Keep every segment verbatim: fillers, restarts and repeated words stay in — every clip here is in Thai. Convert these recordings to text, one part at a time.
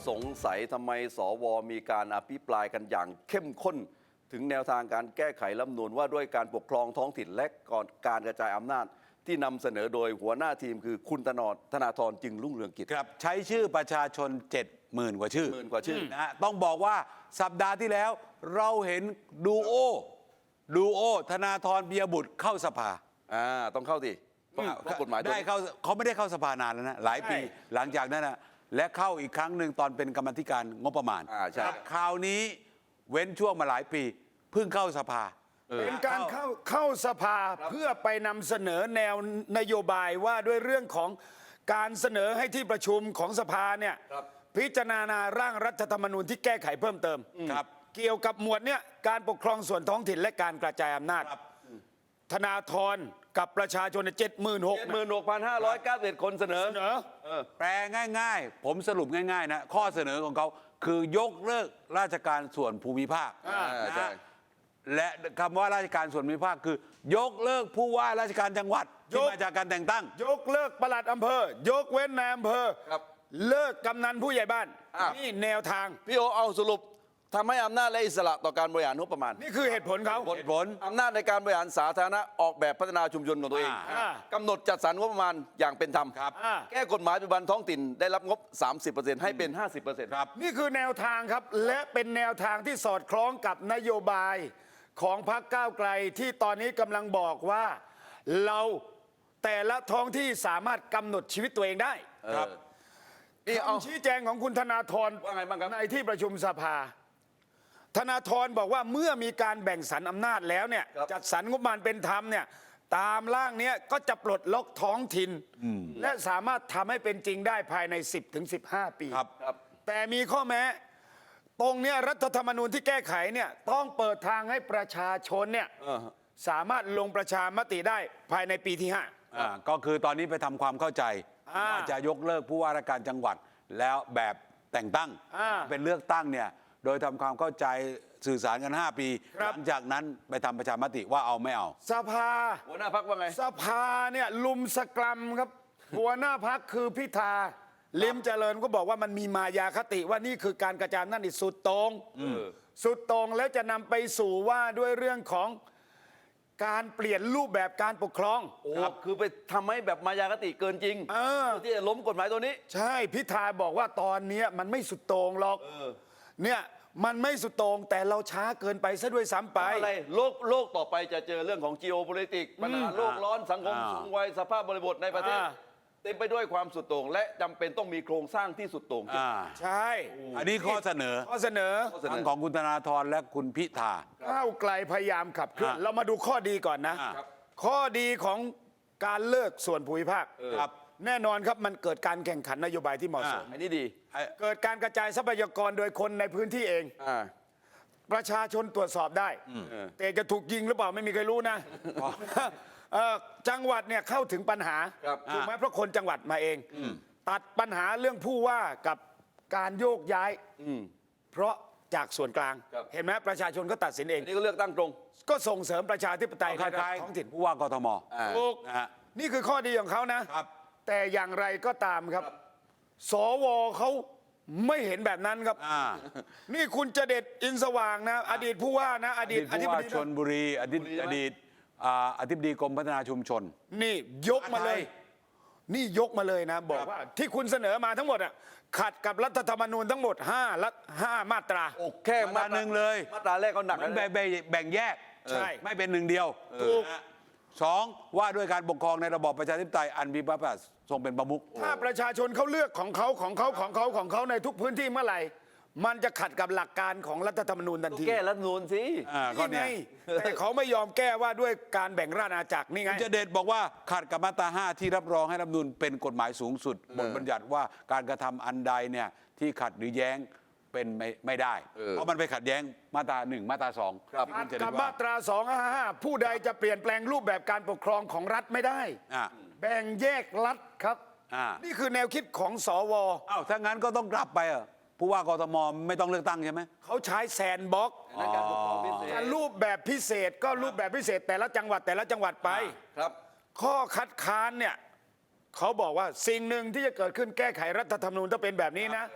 สงสัยทำไมสวมีการอภิปรายกันอย่างเข้มข้นถึงแนวทางการแก้ไขรัฐธรรมนูญว่าด้วยการปกครองท้องถิ่นและก่อนการกระจายอำนาจที่นำเสนอโดยหัวหน้าทีมคือคุณธนรธนาธรจึงรุ่งเรืองกิจครับใช้ชื่อประชาชน เจ็ดหมื่น กว่าชื่อหมื่นกว่าชื่อนะฮะต้องบอกว่าสัปดาห์ที่แล้วเราเห็นดูโอดูโอธนาธรเบียบุตรเข้าสภาอ่าต้องเข้าสิเพราะกฎหมายได้เข้าเขาไม่ได้เข้าสภานานแล้วนะหลายปีหลังจากนั้นนะและเข้าอีกครั้งหนึ่งตอนเป็นกรรมธิการงบประมาณอ่าใช่คราวนี้เว้นช่วงมาหลายปีเพิ่งเข้าสภาเป็นการเข้าเข้าสภาเพื่อไปนำเสนอแนวนโยบายว่าด้วยเรื่องของการเสนอให้ที่ประชุมของสภาเนี่ยพิจารณาร่างรัฐธรรมนูญที่แก้ไขเพิ่มเติมครับเกี่ยวกับหมวดเนี่ยการปกครองส่วนท้องถิ่นและการกระจายอำนาจธนาธรกับประชาชนเจ็ดหมื่นหกหมื่นหกพันห้าร้อยเก้าสิบคนเสนอเสนอแปลง่ายๆผมสรุปง่ายๆนะข้อเสนอของเขาคือยกเลิกราชการส่วนภูมิภาคนะและคำว่าราชการส่วนภูมิภาคคือยกเลิกผู้ว่าราชการจังหวัดที่มาจากการแต่งตั้งยกเลิกปลัดอำเภอยกเว้นนายอำเภอเลิกกำนันผู้ใหญ่บ้านนี่แนวทางพี่โอเอาสรุปทำให้อำนาจและอิสระต่อการบริหารงบประมาณนี่คือเหตุผลเขาเหตุผลอำนาจในการบริหารสาธารณะออกแบบพัฒนาชุมชนของตัวเองกำหนดจัดสรรงบประมาณอย่างเป็นธรรมแก้กฎหมายปัจจุบันท้องถิ่นได้รับงบ สามสิบเปอร์เซ็นต์ ให้เป็น ห้าสิบเปอร์เซ็นต์ครับนี่คือแนวทางครับและเป็นแนวทางที่สอดคล้องกับนโยบายของพรรคก้าวไกลที่ตอนนี้กำลังบอกว่าเราแต่ละท้องที่สามารถกำหนดชีวิตตัวเองได้ครับนี่เอาชี้แจงของคุณธนาธรว่าไงบ้างครับในที่ประชุมสภาธนาธรบอกว่าเมื่อมีการแบ่งสรรอำนาจแล้วเนี่ยจัดสรรงบประมาณเป็นธรรมเนี่ยตามร่างนี้ก็จะปลดล็อกท้องถิ่นและสามารถทำให้เป็นจริงได้ภายใน สิบถึงสิบห้า ปีแต่มีข้อแม้ตรงเนี้ยรัฐธรรมนูญที่แก้ไขเนี่ยต้องเปิดทางให้ประชาชนเนี่ยสามารถลงประชามติได้ภายในปีที่ห้าอ่าก็คือตอนนี้ไปทำความเข้าใจว่าจะยกเลิกผู้ว่าราชการจังหวัดแล้วแบบแต่งตั้งเป็นเลือกตั้งเนี่ยโดยทำความเข้าใจสื่อสารกัน ห้า ปีหลังจากนั้นไปทำประชามติว่าเอาไม่เอาสภาหัวหน้าพรรคว่าไงสภาเนี่ยลุมสกรัมครับหัวหน้าพรรคคือพิธาลิมเจริญก็บอกว่ามันมีมายาคติว่านี่คือการกระจายอำนาจที่สุดโต่งสุดโต่งแล้วจะนำไปสู่ว่าด้วยเรื่องของการเปลี่ยนรูปแบบการปกครองโอ้คือไปทำให้แบบมายาคติเกินจริงที่จะล้มกฎหมายตัวนี้ใช่พิธาบอกว่าตอนนี้มันไม่สุดโต่งหรอกเนี่ยมันไม่สุดโต่งแต่เราช้าเกินไปซะด้วยซ้ำไปอะไรโลกโลกต่อไปจะเจอเรื่องของ geopolitics ปัญหาโลกร้อนสังคมสูงวัยสภาพบริบทในประเทศเต็มไปด้วยความสุดโต่งและจำเป็นต้องมีโครงสร้างที่สุดโต่งใช่อันนี้ข้อเสนอข้อเสนอทั้งของคุณธนาธรและคุณพิธาก้าวไกลพยายามขับเคลื่อนเรามาดูข้อดีก่อนนะข้อดีของการเลิกส่วนภูมิภาคแน่นอนครับมันเกิดการแข่งขันนโยบายที่เหมาะสมอันนี้ดีเกิดการกระจายทรัพยากรโดยคนในพื้นที่เองประชาชนตรวจสอบได้แต่จะถูกยิงหรือเปล่าไม่มีใครรู้นะจังหวัดเนี่ยเข้าถึงปัญหาถูกไหมเพราะคนจังหวัดมาเองตัดปัญหาเรื่องผู้ว่ากับการโยกย้ายเพราะจากส่วนกลางเห็นไหมประชาชนก็ตัดสินเองนี่ก็เลือกตั้งตรงก็ส่งเสริมประชาธิปไตยในท้องถิ่นผู้ว่ากทมถูกนี่คือข้อดีของเขานะแต่อย่างไรก็ตามครับสวเขาไม่เห็นแบบนั้นครับนี่คุณจะเด็ดอินสว่างนะอดีตผู้ว่านะอดีตอธิบดีชลบุรีอดีตอดีตอธิบดีกรมพัฒนาชุมชนนี่ยกมาเลยนี่ยกมาเลยนะบอกว่าที่คุณเสนอมาทั้งหมดอ่ะขัดกับรัฐธรรมนูญทั้งหมดห้ารัฐห้ามาตราโอ้แค่มาตราหนึ่งเลยมาตราแรกก็หนักแบ่งแบ่งแยกใช่ไม่เป็นหนึ่งเดียวถูกสองว่าด้วยการปกครองในระบอบประชาธิปไตยอันมีพระมหากษัตริย์ทรงเป็นประมุขถ้าประชาชนเขาเลือกของเขาของเขาของเขาของเขาในทุกพื้นที่เมื่อไหร่มันจะขัดกับหลักการของรัฐธรรมนูญทันทีแก้รัฐธรรมนูญสินี่ไงแต่เขาไม่ยอมแก้ว่าด้วยการแบ่งราชอาณาจักรนี่ไงจะเด็ดบอกว่าขัดกับมาตราห้าที่รับรองให้รัฐธรรมนูญเป็นกฎหมายสูงสุดบทบัญญัติว่าการกระทำอันใดเนี่ยที่ขัดหรือแย้งเป็นไม่ไม่ได้เพราะมันไปขัดแย้งมาตราหนึ่งมาตราสองกับมาตราสองห้าห้าผู้ใดจะเปลี่ยนแปลงรูปแบบการปกครองของรัฐไม่ได้แบ่งแยกรัฐครับนี่คือแนวคิดของสวอ้าวถ้างั้นก็ต้องกลับไปอ่ะผู้ว่ากทมไม่ต้องเลือกตั้งใช่ไหมเขาใช้แซนบ็อกซ์การปกครองพิเศษรูปแบบพิเศษก็รูปแบบพิเศษแต่ละจังหวัดแต่ละจังหวัดไปครับข้อคัดค้านเนี่ยเขาบอกว่าสิ่งหนึ่งที่จะเกิดขึ้นแก้ไขรัฐธรรมนูญถ้าเป็นแบบนี้นะ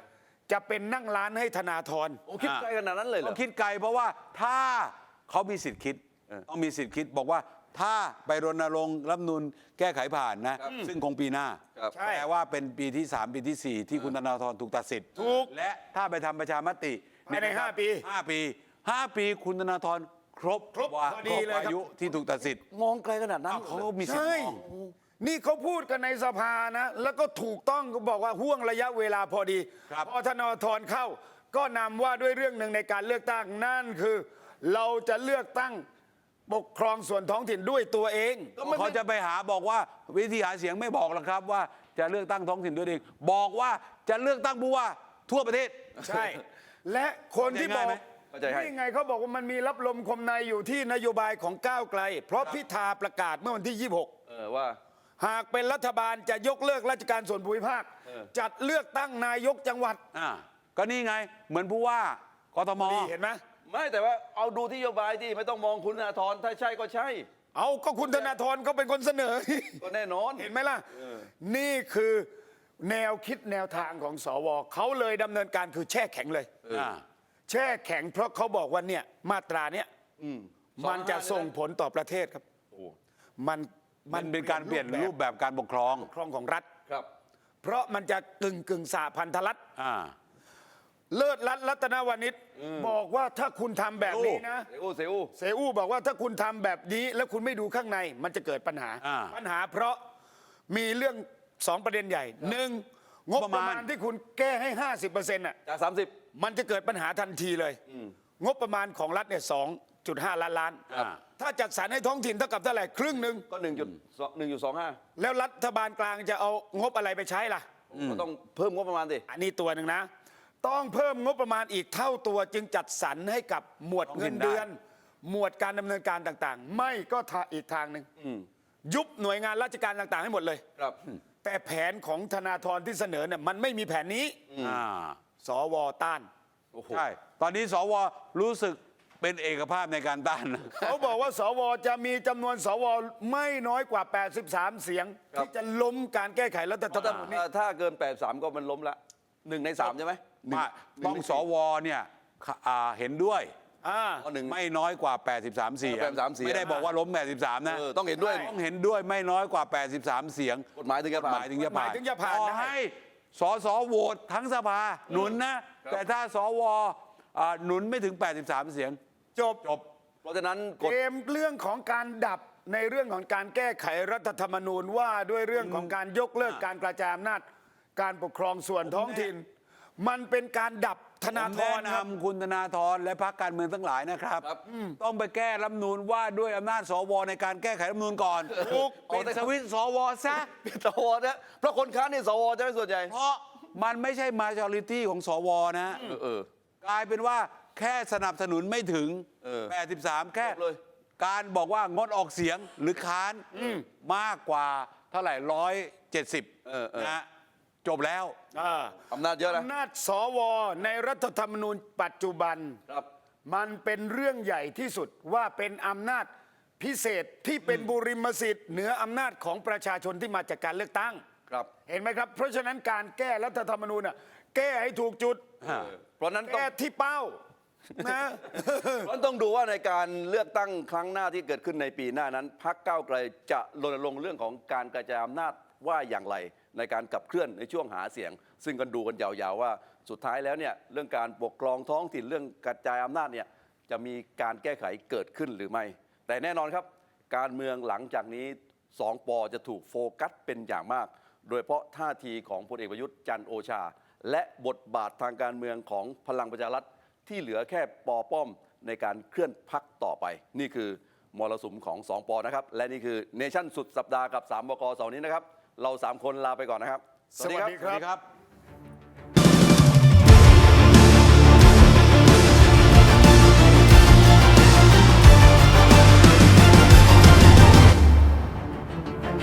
จะเป็นนั่งร้านให้ธนาธรโอ้คิดไกลขนาดนั้นเลยเหรต้อองคิดไกลเพราะว่าถ้าเขามีสิทธิ์คิดเออต้องมีสิทธิ์คิดบอกว่าถ้าไปรณรงค์รัฐธรรมนูญแก้ไขผ่านนะ ซึ่งคงปีหน้าครับใช่แปลว่าเป็นปีที่ สาม ปีที่ สี่ ที่คุณธนาธรถูกตัดสิทธิ์ถูกและถ้าไปทำประชามติภายในเยะครับห้าปีห้าปีห้าปีคุณธนาธรครบครบว่าพอดีเลยครับอายุที่ถูกตัดสิทธิ์มองไกลขนาดนั้นอ้าวเขาก็มีสิทใช่ธิ์มองนี่เขาพูดกันในสภานะ แล้วก็ถูกต้องก็บอกว่าห่วงระยะเวลาพอดีครับพอธนาธรเข้า ก็นำว่าด้วยเรื่องหนึ่งในการเลือกตั้งนั่นคือ เราจะเลือกตั้งปกครองส่วนท้องถิ่นด้วยตัวเองเขาจะไปหาบอกว่าวิธีหาเสียงไม่บอกหรอกครับว่าจะเลือกตั้งท้องถิ่นด้วยเองบอกว่าจะเลือกตั้งผู้ว่าทั่วประเทศใช่ และคนที่บอกเข้าใจง่ายไหมนี่ไงเขาบอกว่ามันมีรับลมคมในอยู่ที่นโยบายของก้าวไกล เพราะพิธาประกาศเมื่อวันที่ ยี่สิบหกเออว่าหากเป็นรัฐบาลจะยกเลิกราชการส่วนภูมิภาคเออจัดเลือกตั้งนายกจังหวัดอ่าก็นี่ไงเหมือนผู้ว่ากทมนี่เห็นไหมไม่แต่ว่าเอาดูที่นโยบายที่ไม่ต้องมองคุณธนาธรถ้าใช่ก็ใช่เอาก็คุณธนาธรเขาเป็นคนเสนอก็แน่นอนเห็นไหมล่ะ นี่คือแนวคิดแนวทางของสวเขาเลยดำเนินการคือแช่แข็งเลยอ่าแช่แข็งเพราะเขาบอกว่าเนี่ยมาตราเนี้ยอืมมันจะส่งผลต่อประเทศครับโอ้มันมันเป็นการเปลี่ยนรูปแบบการปกครองปกครองของรัฐครับเพราะมันจะกึ่งกึ่งสาพันธรัฐอ่าเลิศรัตน์รัตนวณิชบอกว่าถ้าคุณทำแบบนี้นะเซอูเซอูเสอู้บอกว่าถ้าคุณทำแบบนี้แล้วคุณไม่ดูข้างในมันจะเกิดปัญหาอ่าปัญหาเพราะมีเรื่องสองประเด็นใหญ่หนึ่งงบประมาณประมาณที่คุณแก้ให้ ห้าสิบเปอร์เซ็นต์อ่ะจากสามสิบมันจะเกิดปัญหาทันทีเลย งบประมาณของรัฐเนี่ยสองจุดห้าล้านล้านอ่าถ้าจัดสรรให้ท้องถิ่นเท่ากับเท่าไหร่ครึ่งหนึ่งก็หนึ่งจุดหนึ่งจุดสองห้าแล้วรัฐบาลกลางจะเอางบอะไรไปใช้ล่ะก็ต้องเพิ่มงบประมาณสิอันนี้ตัวหนึ่งนะ ต้องเพิ่มงบประมาณอีกเท่าตัวจึงจัดสรรให้กับหมวดเงินเดือน หมวดการดำเนินการต่างๆ ไม่ก็ทาอีกทางหนึ่งยุบหน่วยงานราชการต่างๆ ให้หมดเลยครับแต่แผนของธนาธรที่เสนอเนี่ยมันไม่มีแผนนี้อ่าสวต้านโอ้โหใช่ ตอนนี้สวรู้สึกเป็นเอกภาพในการต้านนะเขาบอกว่าสวจะมีจำนวนสวไม่น้อยกว่า แปดสิบสาม เสียงครับที่จะล้มการแก้ไขรัฐธรรมถ้านูญนี้ถ้าเกินแปดสามก็มันล้มละหนึ่งในสามใช่ไหมหนึ่ว่าต้องสวเนี่ยอ่าเห็นด้วยอ่าอ๋อหนึ่งไม่น้อยกว่า แปดสิบสาม เสียงแปดสิบสามเสียงไม่ได้บอกว่าล้ม แปดสิบสาม นะเออต้องเห็นด้วยต้องเห็นด้วยไม่น้อยกว่า แปดสิบสาม เสียงกฎหมายถึงจะกฎผ่าหมาน ยถึงจะผ่านกฎหมายถึงจะผ่านต่อได้ให้สสโหวตทั้งสภาหนุนนะ แต่ถ้าสวอ่าหนุนไม่ถึง แปดสิบสาม เสียงจบจบเพราะฉะนั้นกฎเกมเรื่องของการดับในเรื่องของการแก้ไขรัฐธรรมนูญว่าด้วยเรื่องของการยกเลิกการกระจายอำนาจการปกครองส่วนท้องถิ่น มันเป็นการดับธนาผมธแนะรครับนำคุณธนาธรและพรรคการเมืองทั้งหลายนะครับครับต้องไปแก้รัฐธรรมนูญว่าด้วยอำนาจสวในการแก้ไขรัฐธรรมนูญก่อนถูกปิดสวิตช์สวซะสวนะเพราะคนค้านนี่สวจะไม่ส่วนใหญ่เพราะมันไม่ใช่ majority ของสวนะเออเออกลายเป็นว่าแค่สนับสนุนไม่ถึงเออแปดสิบสาม แค่จบเลยการบอกว่างดออกเสียงหรือค้านมากกว่าเท่าไหร่ร้อยเจ็ดสิบเออเออนะจบแล้วอ่าอำนาจเยอะนะอำนาจสวในรัฐธรรมนูญปัจจุบันครับมันเป็นเรื่องใหญ่ที่สุดว่าเป็นอำนาจพิเศษที่เป็นบุริมสิทธิ์เหนืออำนาจของประชาชนที่มาจากการเลือกตั้งครับเห็นไหมครับ เพราะฉะนั้นการแก้รัฐธรรมนูญน่ะแก้ให้ถูกจุดเพราะฉะนั้นต้องแก้ที่เป้านะเพราะฉะนั้นต้องดูว่าในการเลือกตั้งครั้งหน้าที่เกิดขึ้นในปีหน้านั้นพรรคก้าวไกลจะรณรงค์เรื่องของการกระจายอำนาจว่าอย่างไรในการขับเคลื่อนในช่วงหาเสียง ซึ่งกันดูกันยาวๆว่าสุดท้ายแล้วเนี่ยเรื่องการปกครองท้องถิ่นเรื่องกระจายอำนาจเนี่ยจะมีการแก้ไขเกิดขึ้นหรือไม่ แต่แน่นอนครับ การเมืองหลังจากนี้สองปอจะถูกโฟกัสเป็นอย่างมาก โดยเฉพาะท่าทีของพลเอกประยุทธ์จันทร์โอชา และบทบาททางการเมืองของพลังประชารัฐที่เหลือแค่ปอป้อมในการเคลื่อนพรรคต่อไป นี่คือมรสุมของสองปอนะครับและนี่คือเนชั่นสุดสัปดาห์กับสามบกเสาร์นี้นะครับเราสามคนลาไปก่อนนะครับสวัสดีสวัสดีครับ